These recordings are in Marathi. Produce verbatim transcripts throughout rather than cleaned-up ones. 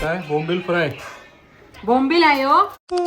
काय बोंबील फ्राय बोंबील आहे हो.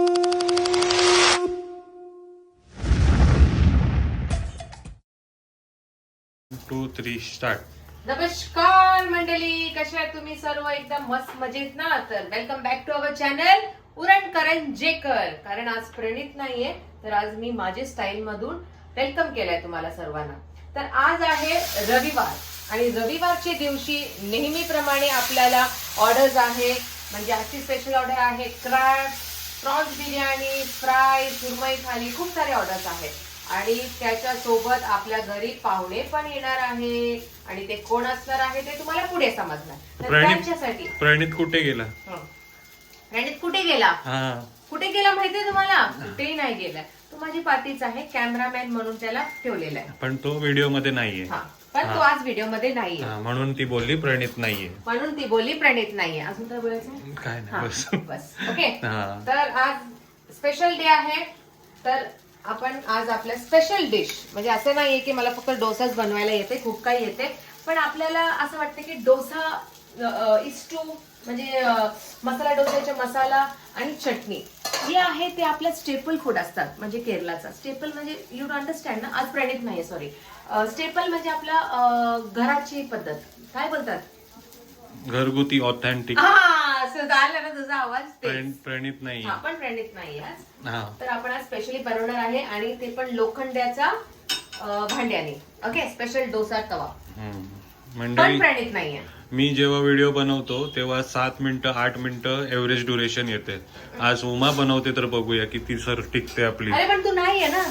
Two three start. नमस्कार मंडळी, कशा आहेत तुम्ही सर्व? एकदम मस्त मजेत ना? तर welcome back to our channel Urankaranjekar. कारण आज प्रणित नाहीये, तर आज मी माझे स्टाईल मधून वेलकम केलंय तुम्हाला सर्वांना. तर आज आहे रविवार आणि रविवारच्या दिवशी नेहमीप्रमाणे आपल्याला ऑर्डर्स आहे. म्हणजे आजची स्पेशल ऑर्डर आहे क्रॅब, प्रॉन्स बिर्याणी, फ्राय, सुरमई थाली, खूप सारे ऑर्डर्स आहेत. आणि त्याच्या सोबत आपल्या घरी पाहुणे पण येणार आहे आणि ते कोण असणार आहे ते तुम्हाला पुढे समजणार. तर त्यांच्यासाठी प्रणित कुठे गेला? प्रणित कुठे गेला? हा कुठे गेला माहितीये तुम्हाला? कुठेही नाही गेला. तो माझी पाठीच आहे, कॅमेरामॅन म्हणून त्याला ठेवलेला आहे. पण तो व्हिडिओ मध्ये नाहीये. हा, पण तो आज व्हिडिओ मध्ये नाहीये. म्हणून ती बोलली प्रणित नाहीये. म्हणून ती बोलली प्रणित नाहीये. अजून काय बोलायचं? काय नाही, बस बस. ओके. तर आज स्पेशल डे आहे. तर आपण आज आपल्या स्पेशल डिश, म्हणजे असं नाहीये की मला फक्त डोसाच बनवायला येते, खूप काही येते, पण आपल्याला असं वाटतं की डोसा इस्टू म्हणजे मसाला डोसाचा मसाला आणि चटणी हे आहे ते आपल्या स्टेपल फूड असतात. म्हणजे केरलाचा स्टेपल म्हणजे यू डोंट अंडरस्टँड ना? आज प्रणित नाही, सॉरी. स्टेपल म्हणजे आपला घराची पद्धत, काय बोलतात? घरगुती ऑथेंटिक. हा, झालं ना तुझा आवाज? प्रणित नाही. हा, पण प्रणित नाही आज. हा, तर आपण आज स्पेशली बनवणार आहे आणि ते पण लोखंडाच्या भांड्याने. ओके, स्पेशल डोसा तवा. पण मंडळी, प्रणित नाहीये. मी जेव्हा व्हिडिओ बनवतो तेव्हा सात मिनिटं आठ मिनिटं एव्हरेज ड्युरेशन येते. आज उमा बनवते तर बघूया किती सर टिकते आपली. अरे पण तू नाहीये ना.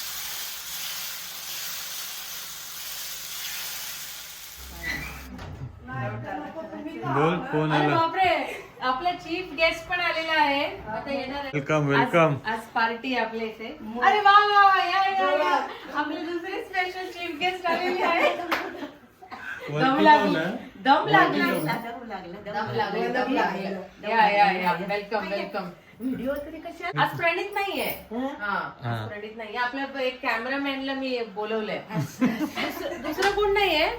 बोल, कोण अरे आला? बापरे, आपला चीफ गेस्ट पण आलेला आहे. आता येणार आहे. Welcome welcome. आज- आज पार्टी आपल्या इथे. अरे वा वा वा, या या या. आपले दुसरे स्पेशल चीफ गेस्ट आलेले आहे. दम लागला, दम लागला, दम लागला, दम लागला. या या या, वेलकम वेलकम. व्हिडिओ तरी कशा? आज प्रणित नाहीये. हा, आज प्रणित नाहीये. आपल्या एक कॅमेरामॅनला मी बोलवलंय. दुसरं कोण नाहीये.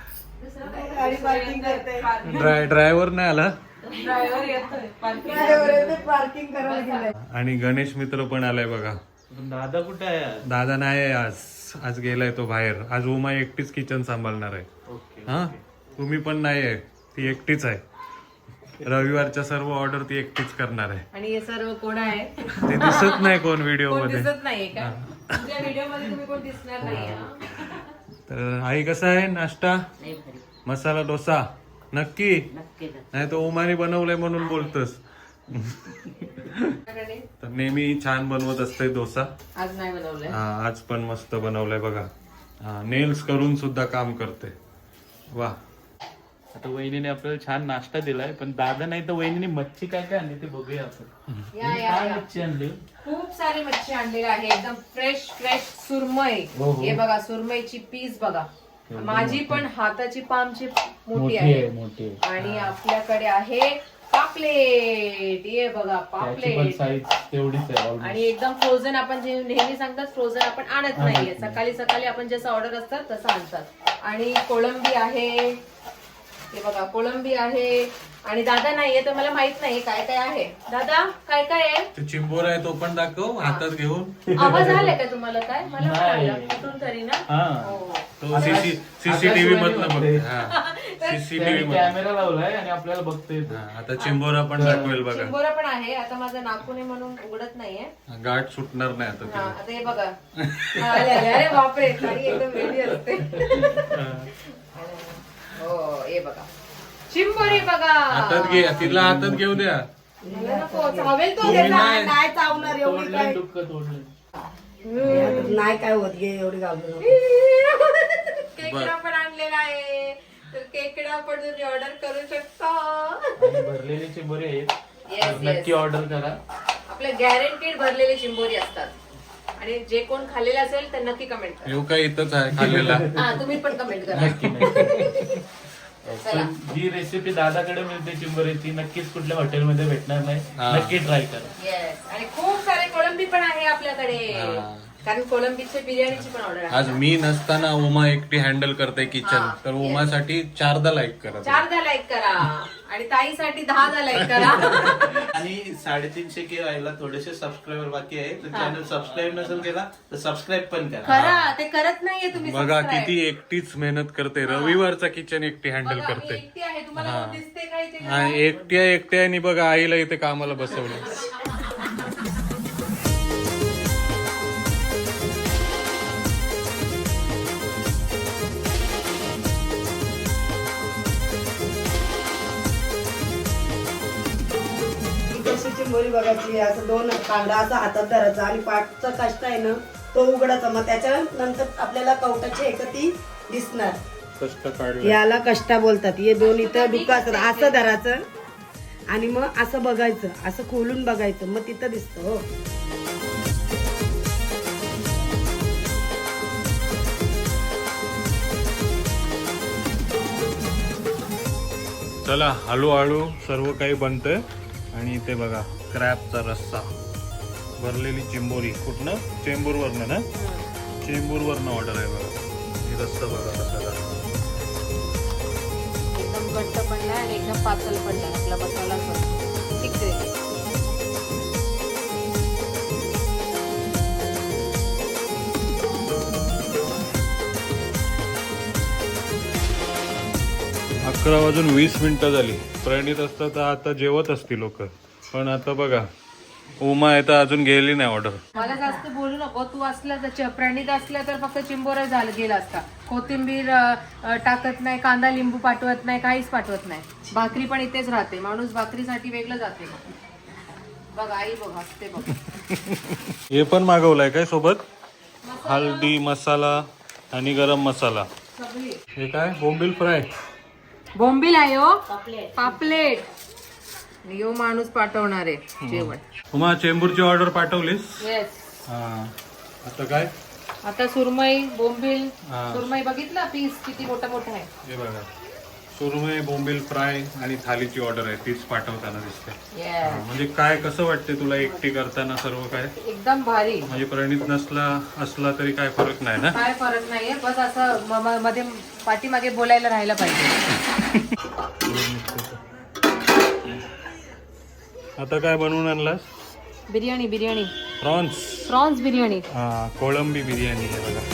ड्राय ड्रायव्हर नाही आला ड्रायव्हर येतोय, पार्किंग करायला गेलाय. आणि गणेश मित्र पण आलाय बघा. दादा कुठे आहे? दादा नाही आहे आज. आज गेलाय तो बाहेर. आज उमा एकटीच किचन सांभाळणार आहे. हा, तुम्ही पण नाही आहे, ती एकटीच आहे. रविवारच्या सर्व ऑर्डर ती एकटीच करणार आहे. आणि हे सर्व कोण आहे? ते दिसत नाही कोण व्हिडिओ कोण मध्ये. दिसत नाहीये का? तुमच्या व्हिडिओ मध्ये तुम्ही कोण दिसणार नाहीये. तर आई कसा आहे नाश्ता? मसाला डोसा नक्की? नाही तो उमाने बनवलंय म्हणून बोलतोस. तर नेहमी छान बनवत असते डोसा. आज नाही बनवलंय. हा, आज पण मस्त बनवलंय बघा. हा, नेल्स करून सुद्धा काम करते. वा. आता वहिनीने आपल्याला छान नाश्ता दिलाय, पण दादा नाही तर वहिनीने मच्छी काय काय आणली ते बघूया आपण. या या काय या. मच्छी आणली? खूप सारी मच्छी आणलेली आहे, एकदम फ्रेश फ्रेश सुरमई. हो, हो. हे बघा, सुरमईची पीस बघा. माझी पण हाताची पामची मोठी आहे. मोठी आणि आपल्याकडे आहे पापलेट. ये बघा पापलेट. साईज तेवढीच आहे. आणि एकदम फ्रोझन. आपण जे नेहमी सांगतात फ्रोझन आपण आणत नाहीये. सकाळी सकाळी आपण जसं ऑर्डर असतात तसं आणतात. आणि कोळंबी आहे, हे बघा कोळंबी आहे. आणि दादा नाहीये तर मला माहित नाही काय काय आहे. दादा काय काय आहे? ते चिंबोर आहे तो पण दाखव हातात घेऊन. आवाज आलाय का तुम्हाला? काय मला पण आला कुठून तरी ना. हो. तो सीसीटीव्ही मधलं बघ. सीसीटीव्ही कॅमेरा लावलाय आणि आपल्याला बघता येतो. आता चिंबोरा पण दाखवेल बघा. चिंबोरा पण आहे. आता माझं नाकून आहे म्हणून उघडत नाहीये. गाठ सुटणार नाही आता हा, तिला. आता हे बघा. आले, आले. अरे बापरे, खाली एकदम वेगळी असते. हो, हे बघा चिंबोरी बघा. हातात घे, तिला हातात घेऊ द्या. मला नको, चावेल तो. तुम्ही नाही. नाही चावणार एवढी तोडलं काय डुक्कं तोडलं. नाही काय होत गे एवढी घालून. केकडा पण आणलेला आहे, तर केकडा पण तुम्ही ऑर्डर करू शकता. आणि भरलेले चिंबोरी आहेत, Yes, तर नक्की yes. ऑर्डर करा. आपले गॅरंटीड भरलेले चिंबोरी असतात. आणि जे कोण खाल्लेले असेल तर नक्की कमेंट करा. येऊ काय इथंच आहे खाल्लेला. हा, तुम्ही पण कमेंट करा. नक्की नक्की. पण जी रेसिपी दादाकडे मिळते चिंबोरीची नक्कीच कुठल्या हॉटेलमध्ये भेटणार नाही. हा. नक्की ट्राय करा. येस. आणि खूप सारे कोळंबी पण आहे आपल्याकडे. हा. कारण कोळंबीचे बिर्याणीची पण ऑर्डर आहे. आज मी नसताना उमा एकटी हँडल करते किचन. हा, तर उमासाठी चारदा लाईक करा. चारदा लाईक करा. आणि ताईसाठी दहा झालाय करा. आणि साडेतीनशे के व्हायला थोडेसे सबस्क्रायबर बाकी आहे, तर चॅनल सबस्क्राईब नसेल केला तर सबस्क्राईब पण करा. करा, ते करत नाहीये तुम्ही. बघा subscribe. किती एकटीच मेहनत करते, रविवारचा किचन एकटी हँडल बघा, मी करते. एकटी आहे, तुम्हाला कोण दिसते काय ते हा, एकट्या एकट्याने बघा आईला इथे कामाला बसवलं. कशी चिंबोरी बघायची, असं दोन कांदा असा हातात धरायचा आणि पाठचा काष्टा आहे ना तो उघडायचा, मग त्याच्यानंतर आपल्याला कवटाची एक ती दिसणार. कष्ट काढलं. याला कष्टा बोलतात. हे दोन इथं डुका असतात, असं धरायचं आणि मग असं बघायचं, असं खोलून बघायचं, मग तिथं दिसतं. हो चला हळूहळू सर्व काही बनतंय. आणि इथे बघा क्रॅबचा रस्सा, भरलेली चिंबोरी. कुठनं? चेंबूरवरनं ना, चेंबूरवरनं ऑर्डर आहे बघा. हे रस्सा बघा कसा झाला. एकदम घट्ट पण नाही आणि एकदम पातळ पण नाही, आपला मसाला ठीक आहे. अकरा वाजून वीस मिनिटं झाली. प्रणित असतं तर आता जेवत असतील लोक, पण आता बघा उमा आहे तर अजून गेली नाही ऑर्डर. मला जास्त बोलू नको. तू असला तर प्रणित असला तर फक्त चिंबोरा झालं गेला असता. कोथिंबीर अ, अ, टाकत नाही, कांदा लिंबू पाठवत नाही, काहीच पाठवत नाही. भाकरी पण इथेच राहते. माणूस भाकरीसाठी वेगळं जाते. बघ आई बघ असते बघ. हे पण मागवलंय काय सोबत? हळदी मसाला आणि गरम मसाला. सगळी हे काय? बोंबील फ्राय. बोंबील आहे हो, पापलेट. यो माणूस पाठवणार आहे जेवण. उमा चेंबूरची ऑर्डर पाठवलीस? येस. हा. आता काय? आता सुरमई बोंबील. हा. सुरमई बघितला पीस किती मोठा मोठा आहे. हे बघा सुरमई बोंबील फ्राय आणि थालीची ऑर्डर आहे, तीच पाठवताना दिसते. हा, Yes. म्हणजे काय कसं वाटते तुला एकटी करताना सर्व काय? एकदम भारी. म्हणजे प्रणित नसला असला तरी काय फरक नाही ना? काय फरक नाहीये, बस असं म- म- मध्ये पाठीमागे बोलायला राहायला पाहिजे. आता काय बनवून आणलास? बिर्याणी बिर्याणी प्रॉन्स. प्रॉन्स बिर्याणी. हा, कोळंबी बिर्याणी आहे बघा.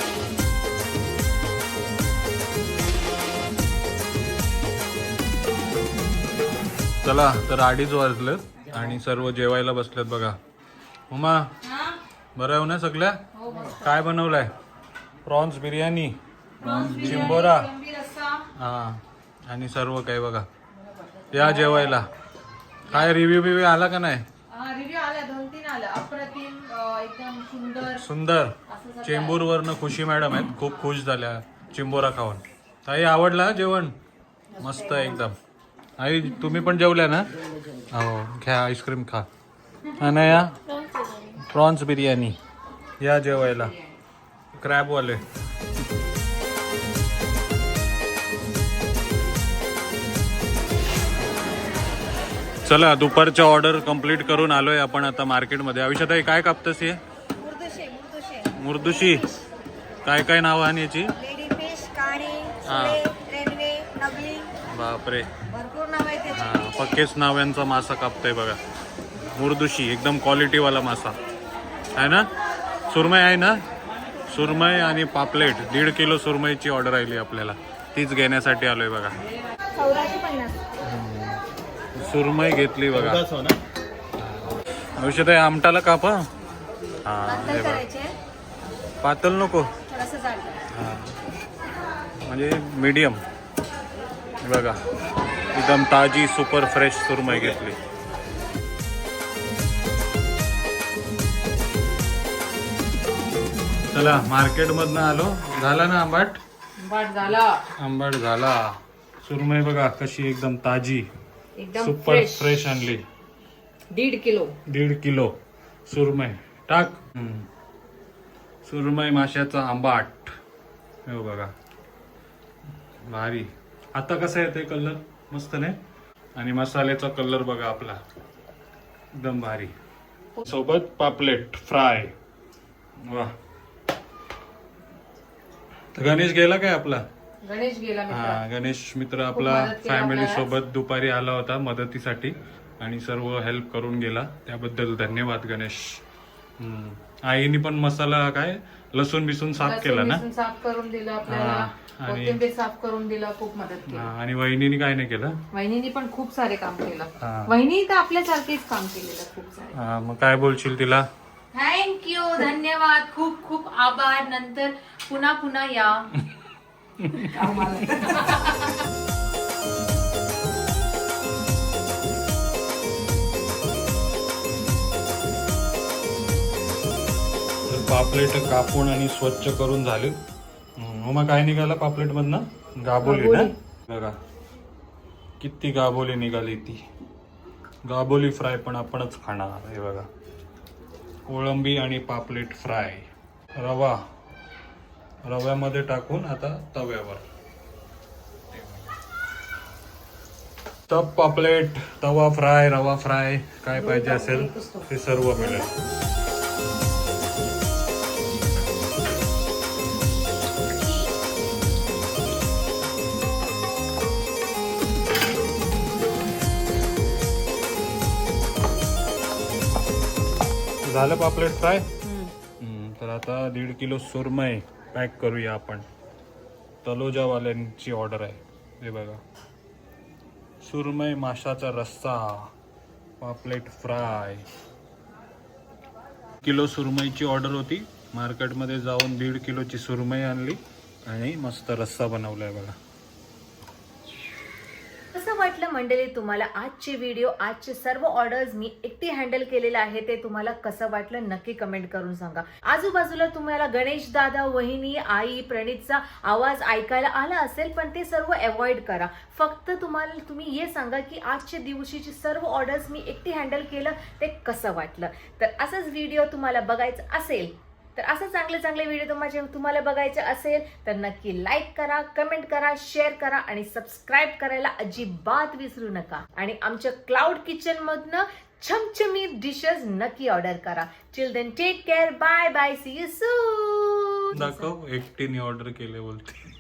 चला तर अडीच वाजलं आणि सर्व जेवायला बसलेत बघा. उमा बरं आहे ना सगळ्या? काय बनवलंय? प्रॉन्स बिर्याणी, चिंबोरा, हा आणि सर्व काही बघा. या जेवायला. काय रिव्ह्यू बिव्ह्यू आला का नाही? रिव्ह्यू आला, दोन तीन आला. अप्रतिम, अं, एकदम सुंदर. सुंदर. चेंबूरवरनं खुशी मॅडम आहेत, खूप खुश झाल्या चिंबोरा खाऊन. ताई आवडला जेवण? मस्त आहे एकदम. आई तुम्ही पण जेवल्या ना? हो घ्या, आईस्क्रीम खा. आणि या प्रॉन्स बिर्याणी या जेवायला. क्रॅबवाले. चला दुपारच्या ऑर्डर कंप्लीट करून आलोय आपण आता मार्केटमध्ये. आयुष्यात काय कापतस हे? मुर्दुशी. काय काय नाव आहे याची? हा. बापरे, भरपूर नाव आहे त्याची. हा पक्केच नाव्यांचा मासा कापतोय बघा. मुर्दुशी एकदम क्वालिटीवाला मासा आहे ना. सुरमई आहे ना? सुरमई आणि पापलेट. दीड किलो सुरमईची ऑर्डर आली आपल्याला, तीच घेण्यासाठी आलोय बघा. सुरमई घेतली बघा. औषध आहे आमटाला काप. हा हे बघा. पातळ नको, हा म्हणजे मीडियम. बघा एकदम ताजी सुपर फ्रेश सुरमई घेतली. चला मार्केट मधनं आलो. झाला ना आंबाट? बाट झाला. आंबाट झाला. सुरमई बघा कशी एकदम ताजी एकदम सुपर फ्रेश. फ्रेश आणली. दीड किलो. दीड किलो सुरमई टाक. हम्म. सुरमई माशाचा आंबाट. हे बघा भारी. आता कसा येतोय कलर? मस्त नाही? आणि मसाल्याचा कलर बघा आपला एकदम भारी. सोबत पापलेट फ्राय. वा. तर गणेश गेला काय आपला? गणेश गेला मित्र. हा गणेश मित्र आपला मदत केली फॅमिली आपल्याला. सोबत दुपारी आला होता मदतीसाठी आणि सर्व हेल्प करून गेला, त्याबद्दल धन्यवाद गणेश. हम्म. आईने पण मसाला काय लसूण बिसून साफ लसूण केला ना. बिसून साफ करून दिलं आपल्याला, हा, आणि- कोथिंबीर साफ करून दिलं, खूप मदत केली. हा, आणि वहिनीने काय नाही केलं. वहिनीने पण खूप सारे काम केलं. हा. वहिनी तर आपल्यासारखेच काम केलेलं खूप सारे. हा, मग काय बोलशील तिला. थँक्यू, धन्यवाद, खूप खूप आभार. नंतर पुन्हा पुन्हा या. तर पापलेट कापून आणि स्वच्छ करून झाले. हम्म, मग काय निघाला पापलेट मधनं, गाबोली ना. बघा किती गाबोली निघाली. ती गाबोली फ्राय पण आपणच खाणार. हे बघा कोळंबी आणि पापलेट फ्राय. रवा रव्यामध्ये टाकून आता तव्यावर. तप पापलेट, तवा फ्राय, रवा फ्राय, काय पाहिजे असेल ते सर्व मिळेल. झालं पापलेट फ्राय. हम्म, तर आता दीड किलो सुरमई पॅक करूया आपण. तलोजावाल्यांची ऑर्डर आहे. हे बघा सुरमई, माशाचा रस्सा, पापलेट फ्राय. किलो सुरमईची ऑर्डर होती. मार्केटमध्ये जाऊन दीड किलोची सुरमई आणली आणि मस्त रस्सा बनवलाय बघा. कसं वाटलं मंडळी तुम्हाला आजचे व्हिडिओ, आजचे सर्व ऑर्डर्स मी एकटी हँडल केलेलं आहे, ते तुम्हाला कसं वाटलं नक्की कमेंट करून सांगा. आजूबाजूला तुम्हाला गणेश दादा, वहिनी, आई, प्रणितचा आवाज ऐकायला आला असेल, पण ते सर्व अवॉइड करा. फक्त तुम्हाला तुम्ही हे सांगा की आजच्या दिवशीची सर्व ऑर्डर्स मी एकटी हँडल केलं, ते कसं वाटलं. तर असंच व्हिडिओ तुम्हाला बघायचं असेल, तर असं चांगले चांगले व्हिडिओ तुम्हाला तुम्हाला बघायचे असेल तर नक्की लाईक करा, कमेंट करा, शेअर करा आणि सबस्क्राईब करायला अजिबात विसरू नका. आणि आमच्या क्लाउड किचन मधनं छमछमीत डिशेस नक्की ऑर्डर करा. Till then take care, bye bye, see you soon. दाखव एकटीने ऑर्डर केले बोलते.